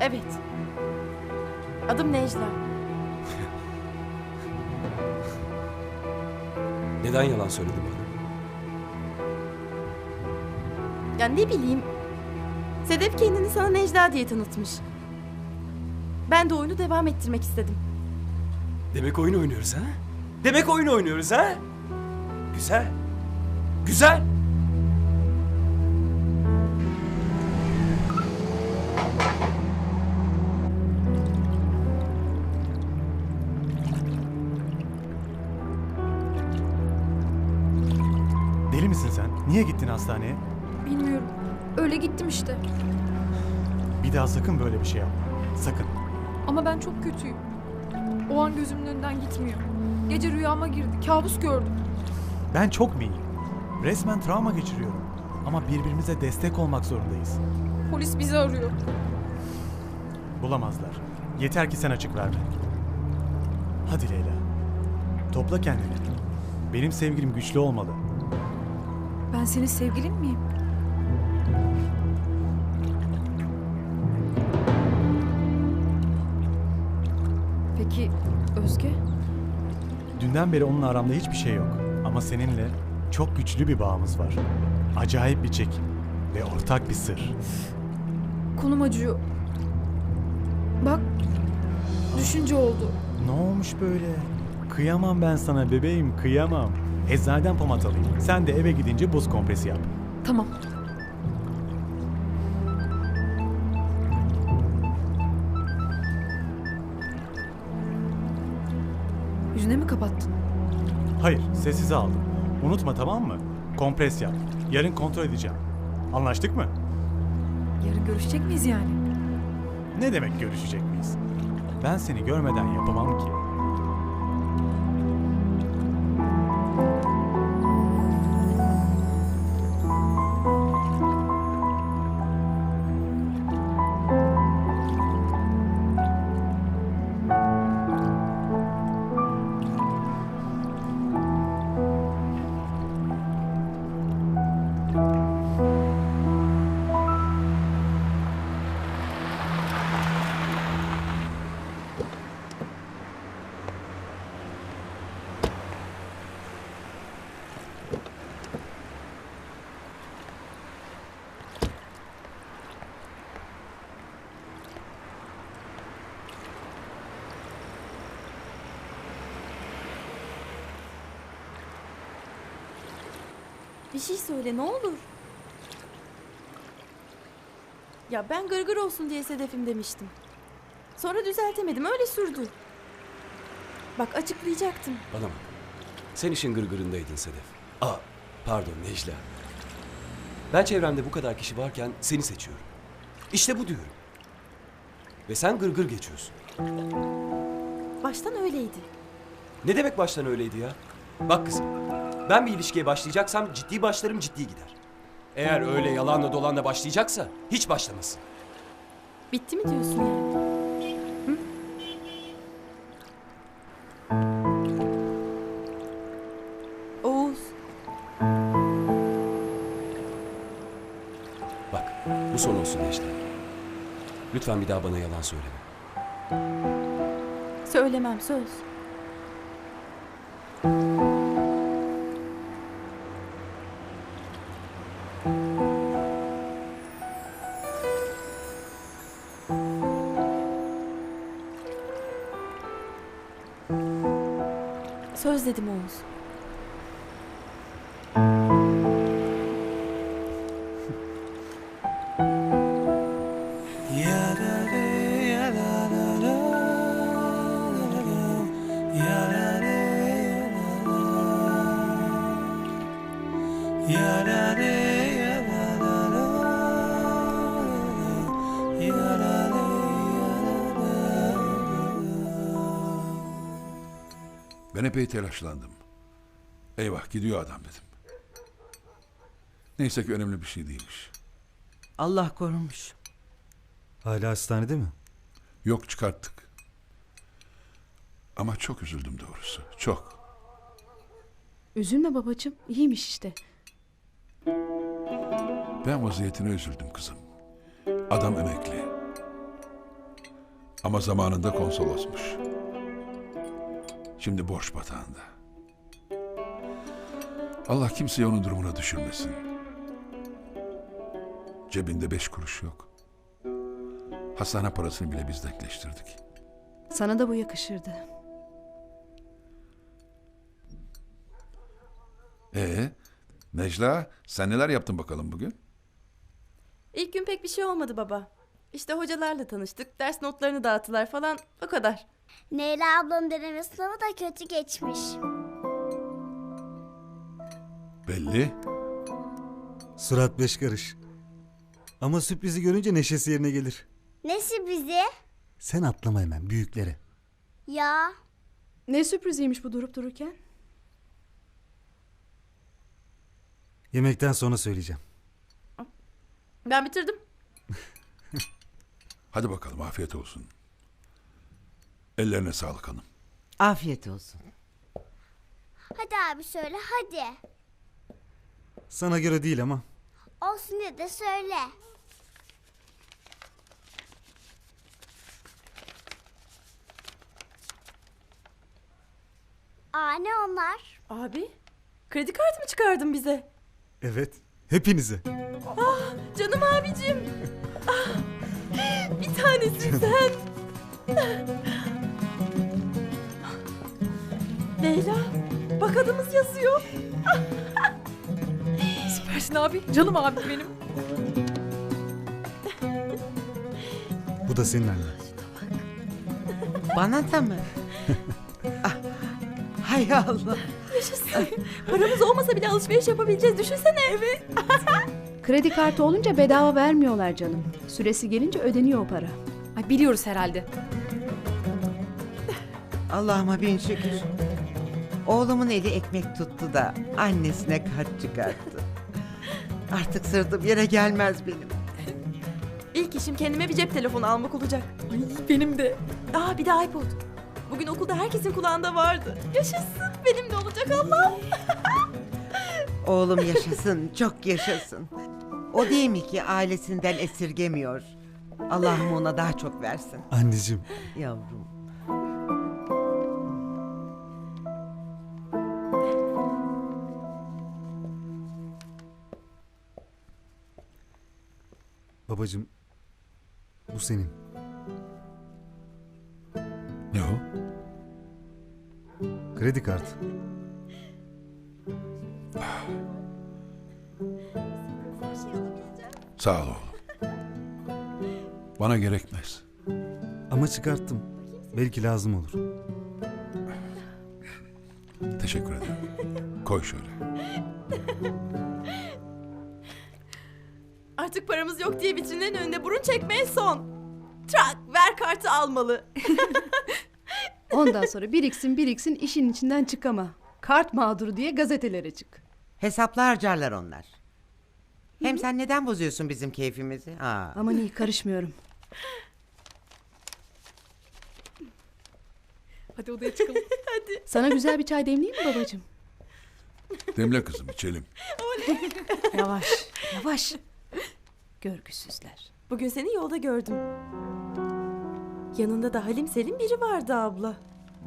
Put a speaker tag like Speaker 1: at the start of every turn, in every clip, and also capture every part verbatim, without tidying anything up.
Speaker 1: Evet. Adım Necla.
Speaker 2: Neden yalan söyledin bana?
Speaker 1: Ya ne bileyim. Sedef kendini sana Necla diye tanıtmış. Ben de oyunu devam ettirmek istedim.
Speaker 2: Demek oyun oynuyoruz ha? Demek oyun oynuyoruz ha? Güzel. Güzel.
Speaker 3: Deli misin sen? Niye gittin hastaneye?
Speaker 4: Bilmiyorum. Öyle gittim işte.
Speaker 3: Bir daha sakın böyle bir şey yapma. Sakın.
Speaker 4: Ama ben çok kötüyüm. O an gözümün önünden gitmiyor. Gece rüyama girdi. Kabus gördüm.
Speaker 3: Ben çok miyim? Resmen travma geçiriyorum. Ama birbirimize destek olmak zorundayız.
Speaker 4: Polis bizi arıyor.
Speaker 3: Bulamazlar. Yeter ki sen açık verme. Hadi Leyla. Topla kendini. Benim sevgilim güçlü olmalı.
Speaker 4: Ben senin sevgilin miyim? Peki Özge?
Speaker 3: Dünden beri onunla aramda hiçbir şey yok. Ama seninle çok güçlü bir bağımız var. Acayip bir çekim ve ortak bir sır.
Speaker 4: Kolum acıyor. Bak, düşünce oldu.
Speaker 3: Ne olmuş böyle? Kıyamam ben sana bebeğim, kıyamam. Eczaneden pomat alayım. Sen de eve gidince buz kompresi yap.
Speaker 4: Tamam. Yüzüne mi kapattın?
Speaker 3: Hayır, sessize aldım. Unutma, tamam mı? Kompres yap. Yarın kontrol edeceğim. Anlaştık mı?
Speaker 4: Yarın görüşecek miyiz yani?
Speaker 3: Ne demek görüşecek miyiz? Ben seni görmeden yapamam ki.
Speaker 1: Bir şey söyle ne olur. Ya ben gırgır olsun diye Sedef'im demiştim. Sonra düzeltemedim, öyle sürdü. Bak açıklayacaktım.
Speaker 2: Bana bak. Sen işin gırgırındaydın Sedef. Aa, pardon Necla. Ben çevremde bu kadar kişi varken seni seçiyorum. İşte bu diyorum. Ve sen gırgır geçiyorsun.
Speaker 1: Baştan öyleydi.
Speaker 2: Ne demek baştan öyleydi ya? Bak kızım, ben bir ilişkiye başlayacaksam ciddi başlarım, ciddi gider. Eğer öyle yalanla dolanla başlayacaksa hiç başlamasın.
Speaker 1: Bitti mi diyorsun yani? Hı? Oğuz.
Speaker 2: Bak, bu son olsun Necla. Lütfen bir daha bana yalan söyleme.
Speaker 1: Söylemem, söz. Söz dedim Oğuz.
Speaker 5: Ben epey telaşlandım. Eyvah gidiyor adam dedim. Neyse ki önemli bir şey değilmiş.
Speaker 6: Allah korumuş.
Speaker 7: Hala hastanede mi?
Speaker 5: Yok, çıkarttık. Ama çok üzüldüm doğrusu. Çok.
Speaker 1: Üzülme babacığım, iyiymiş işte.
Speaker 5: Ben vaziyetine üzüldüm kızım. Adam emekli. Ama zamanında konsolosmuş. Şimdi borç batağında. Allah kimseyi onun durumuna düşürmesin. Cebinde beş kuruş yok. Hastane parasını bile biz denkleştirdik.
Speaker 8: Sana da bu yakışırdı.
Speaker 5: Ee, Necla, sen neler yaptın bakalım bugün?
Speaker 1: İlk gün pek bir şey olmadı baba. İşte hocalarla tanıştık, ders notlarını dağıttılar falan, o kadar.
Speaker 9: Leyla ablanın deneme sınavı da kötü geçmiş.
Speaker 5: Belli.
Speaker 7: Surat beş karış. Ama sürprizi görünce neşesi yerine gelir.
Speaker 9: Ne sürprizi?
Speaker 7: Sen atlama hemen büyüklere.
Speaker 9: Ya
Speaker 8: Ne sürpriziymiş bu durup dururken?
Speaker 7: Yemekten sonra söyleyeceğim.
Speaker 1: Ben bitirdim.
Speaker 5: Hadi bakalım, afiyet olsun. Ellerine sağlık hanım.
Speaker 6: Afiyet olsun.
Speaker 9: hadi abi söyle hadi.
Speaker 7: Sana göre değil ama.
Speaker 9: Olsun ya da söyle. Aa ne onlar?
Speaker 1: Abi, kredi kartı mı çıkardın bize?
Speaker 7: Evet. Hepinize.
Speaker 1: Canım abicim. Ah, bir tanesin sen. Leyla, bak adımız yazıyor.
Speaker 4: Süpersin abi. Canım abi benim.
Speaker 7: Bu da senin annen.
Speaker 6: Bana da mı? Ah, hay Allah.
Speaker 1: Yaşasın. Paramız olmasa bile alışveriş yapabileceğiz. Düşünsene. Evet.
Speaker 8: Kredi kartı olunca bedava vermiyorlar canım. Süresi gelince ödeniyor o para.
Speaker 4: Ay biliyoruz herhalde.
Speaker 6: Allah'ıma bin şükür. Oğlumun eli ekmek tuttu da annesine kart çıkarttı. Artık sırtım yere gelmez benim.
Speaker 1: İlk işim kendime bir cep telefonu almak olacak.
Speaker 4: Ay benim de.
Speaker 1: Aa bir de iPod. Bugün okulda herkesin kulağında vardı. Yaşasın. Benim de olacak Allah.
Speaker 6: Oğlum yaşasın, çok yaşasın. O değil mi ki ailesinden esirgemiyor. Allah'ım ona daha çok versin.
Speaker 7: Anneciğim.
Speaker 6: Yavrum.
Speaker 7: Babacığım. Bu senin.
Speaker 5: Ne o?
Speaker 7: Kredi kartı.
Speaker 5: Sağ ol oğlum. Bana gerekmez.
Speaker 7: Ama çıkarttım. Belki lazım olur.
Speaker 5: Teşekkür ederim. Koy şöyle.
Speaker 1: Artık paramız yok diye vitrinlerin önünde burun çekmeye son. Trak ver kartı almalı.
Speaker 8: Ondan sonra biriksin biriksin işin içinden çıkama. Kart mağduru diye gazetelere çık.
Speaker 6: Hesaplı harcarlar onlar. Hem sen neden bozuyorsun bizim keyfimizi? Ha.
Speaker 8: Aman iyi karışmıyorum.
Speaker 4: Hadi odaya çıkalım.
Speaker 8: Sana güzel bir çay demleyeyim mi babacığım?
Speaker 5: Demle kızım, içelim.
Speaker 8: Yavaş yavaş. Görgüsüzler.
Speaker 1: Bugün seni yolda gördüm. Yanında da Halim Selim biri vardı abla.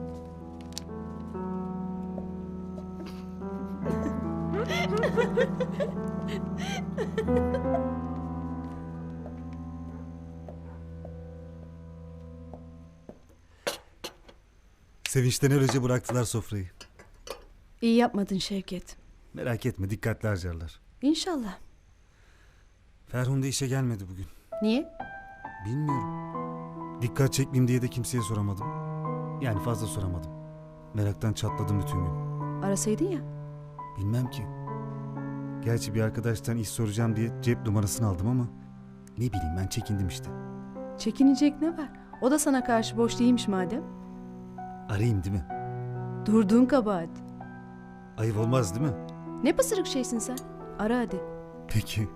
Speaker 7: Sevinçten öylece bıraktılar sofrayı.
Speaker 8: İyi yapmadın Şevket.
Speaker 7: Merak etme, dikkatli harcarlar.
Speaker 8: İnşallah.
Speaker 7: Ferhunde işe gelmedi bugün.
Speaker 8: Niye?
Speaker 7: Bilmiyorum. Dikkat çekmeyeyim diye de kimseye soramadım. Yani fazla soramadım. Meraktan çatladım bütün gün.
Speaker 8: Arasaydın ya.
Speaker 7: Bilmem ki. Gerçi bir arkadaştan iş soracağım diye cep numarasını aldım ama ne bileyim ben çekindim işte.
Speaker 8: Çekinecek ne var? O da sana karşı boş değilmiş madem.
Speaker 7: Arayayım değil mi?
Speaker 8: Durduğun kabahat.
Speaker 7: Ayıp olmaz değil mi?
Speaker 8: Ne pısırık şeysin sen? Ara hadi.
Speaker 7: Peki.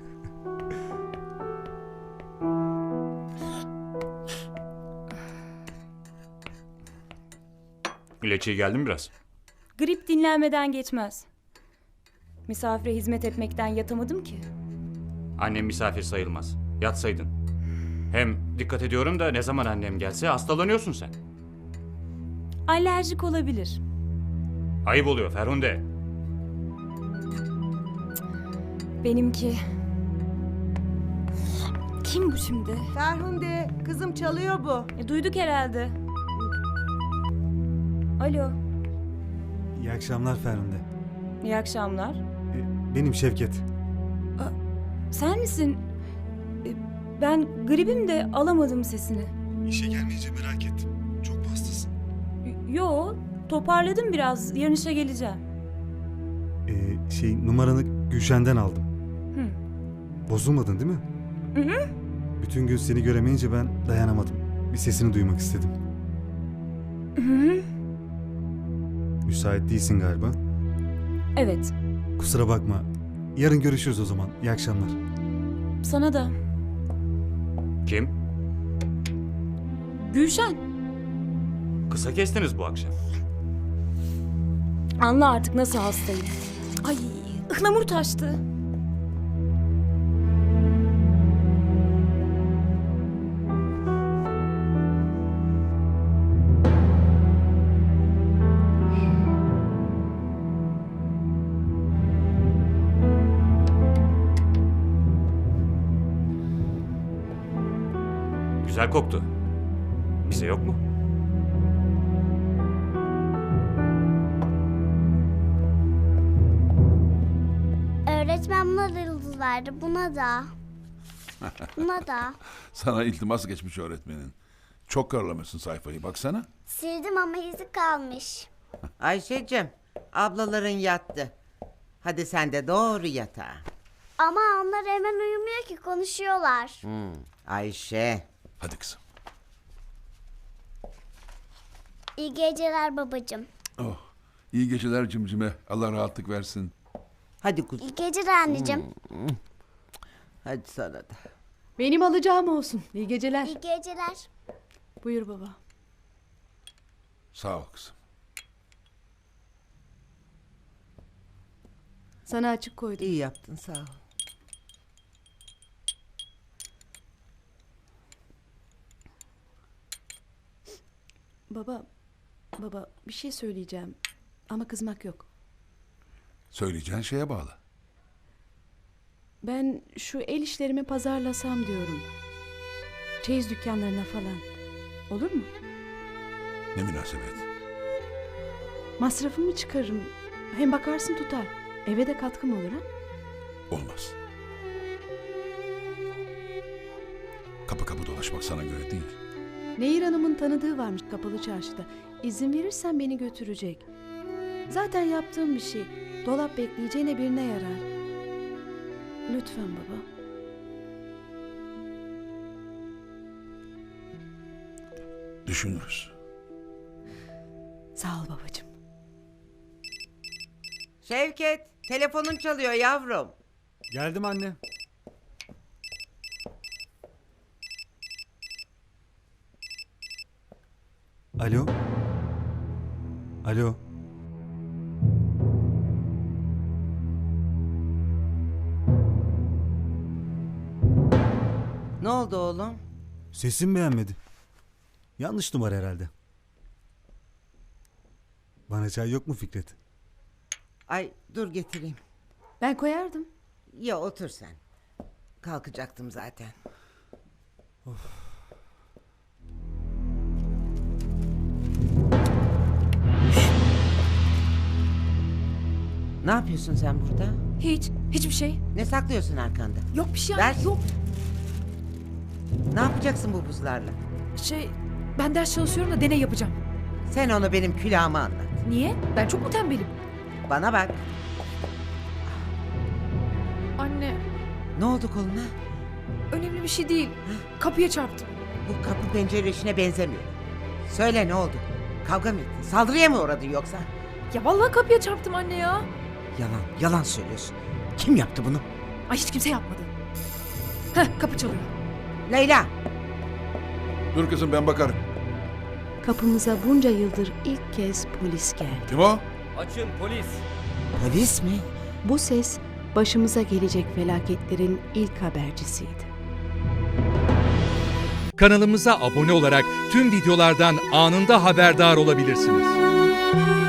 Speaker 10: İlaççıya geldin biraz.
Speaker 11: Grip dinlenmeden geçmez. Misafire hizmet etmekten yatamadım ki.
Speaker 10: Annem misafir sayılmaz. Yatsaydın. Hem dikkat ediyorum da ne zaman annem gelse hastalanıyorsun sen.
Speaker 11: Alerjik olabilir.
Speaker 10: Ayıp oluyor Ferhunde.
Speaker 11: Benimki. Kim bu şimdi?
Speaker 6: Ferhunde, kızım çalıyor bu.
Speaker 11: E, duyduk herhalde. Alo.
Speaker 7: İyi akşamlar Ferhunde.
Speaker 11: İyi akşamlar.
Speaker 7: E, Benim Şevket.
Speaker 11: Sen misin? E, Ben gribim de alamadım sesini.
Speaker 7: İşe gelmeyince merak ettim. Çok mu hastasın?
Speaker 11: Y- Yo, toparladım biraz. Yarın işe geleceğim.
Speaker 7: Ee, şey numaranı Gülşen'den aldım.
Speaker 11: Hı.
Speaker 7: Bozulmadın değil mi?
Speaker 11: Hı hı.
Speaker 7: Bütün gün seni göremeyince ben dayanamadım. Bir sesini duymak istedim.
Speaker 11: Hı hı.
Speaker 7: Müsait değilsin galiba.
Speaker 11: Evet,
Speaker 7: Kusura bakma. Yarın görüşürüz o zaman. İyi akşamlar.
Speaker 11: sana da.
Speaker 10: Kim?
Speaker 11: Gülşen,
Speaker 10: Kısa kestiniz bu akşam.
Speaker 11: anla artık nasıl hastayım. Ay, ıhlamur taştı.
Speaker 10: Güzel koktu. Bize yok mu?
Speaker 9: Öğretmen buna da yıldız verdi. Buna da. Buna da.
Speaker 5: Sana iltimas geçmiş öğretmenin. Çok karalamışsın sayfayı baksana.
Speaker 9: Sildim ama izi kalmış.
Speaker 6: Ayşe'cim, ablaların yattı. Hadi sen de doğru yatağa.
Speaker 9: Ama onlar hemen uyumuyor ki, konuşuyorlar.
Speaker 6: Hmm, Ayşe.
Speaker 5: Hadi kızım.
Speaker 9: İyi geceler babacığım.
Speaker 5: Oh, iyi geceler cimcime. Allah rahatlık versin.
Speaker 6: Hadi kuzum.
Speaker 9: İyi geceler anneciğim.
Speaker 6: Hadi sana da.
Speaker 8: Benim alacağım olsun. İyi geceler.
Speaker 9: İyi geceler.
Speaker 8: Buyur baba.
Speaker 5: Sağ ol kızım.
Speaker 8: Sana açık koydum.
Speaker 6: İyi yaptın, sağ ol.
Speaker 8: Baba, baba bir şey söyleyeceğim. Ama kızmak yok.
Speaker 5: Söyleyeceğin şeye bağlı.
Speaker 8: Ben şu el işlerimi pazarlasam diyorum. Çeyiz dükkanlarına falan. Olur mu?
Speaker 5: Ne münasebet.
Speaker 8: Masrafımı çıkarırım. Hem bakarsın tutar. Eve de katkım olur ha?
Speaker 5: Olmaz. Kapı kapı dolaşmak sana göre değil.
Speaker 8: Nehir Hanım'ın tanıdığı varmış kapalı çarşıda. İzin verirsen beni götürecek. Zaten yaptığım bir şey. Dolap bekleyeceğine birine yarar. Lütfen baba.
Speaker 5: Düşünürüz.
Speaker 8: Sağ ol babacığım.
Speaker 6: Şevket, telefonun çalıyor yavrum.
Speaker 7: Geldim anne. Alo. Alo.
Speaker 6: Ne oldu oğlum?
Speaker 7: Sesim beğenmedi. Yanlış numara herhalde. Bana çay yok mu Fikret?
Speaker 6: Ay dur getireyim.
Speaker 8: Ben koyardım.
Speaker 6: Ya otur sen. Kalkacaktım zaten. Ne yapıyorsun sen burada?
Speaker 4: Hiç, hiçbir şey.
Speaker 6: Ne saklıyorsun arkanda?
Speaker 4: Yok bir şey.
Speaker 6: Ver.
Speaker 4: Yok.
Speaker 6: Ne yapacaksın bu buzlarla?
Speaker 4: Şey, ben ders çalışıyorum da deney yapacağım.
Speaker 6: Sen onu benim külahıma anlat.
Speaker 4: Niye? Ben çok mu tembelim?
Speaker 6: Bana bak.
Speaker 4: Anne,
Speaker 6: Ne oldu koluna?
Speaker 4: önemli bir şey değil. Kapıya çarptım.
Speaker 6: Bu kapı pencere işine benzemiyor. Söyle ne oldu? Kavga mı ettin? Saldırıya mı uğradın yoksa?
Speaker 4: Ya vallahi kapıya çarptım anne ya.
Speaker 6: Yalan, yalan söylüyorsun. Kim yaptı bunu?
Speaker 4: Ay hiç kimse yapmadı. Heh, kapı çalıyor.
Speaker 6: Leyla!
Speaker 5: Dur kızım ben bakarım.
Speaker 8: Kapımıza bunca yıldır ilk kez polis geldi.
Speaker 5: Kim o?
Speaker 10: Açın polis.
Speaker 6: Polis mi?
Speaker 8: Bu ses başımıza gelecek felaketlerin ilk habercisiydi.
Speaker 12: Kanalımıza abone olarak tüm videolardan anında haberdar olabilirsiniz.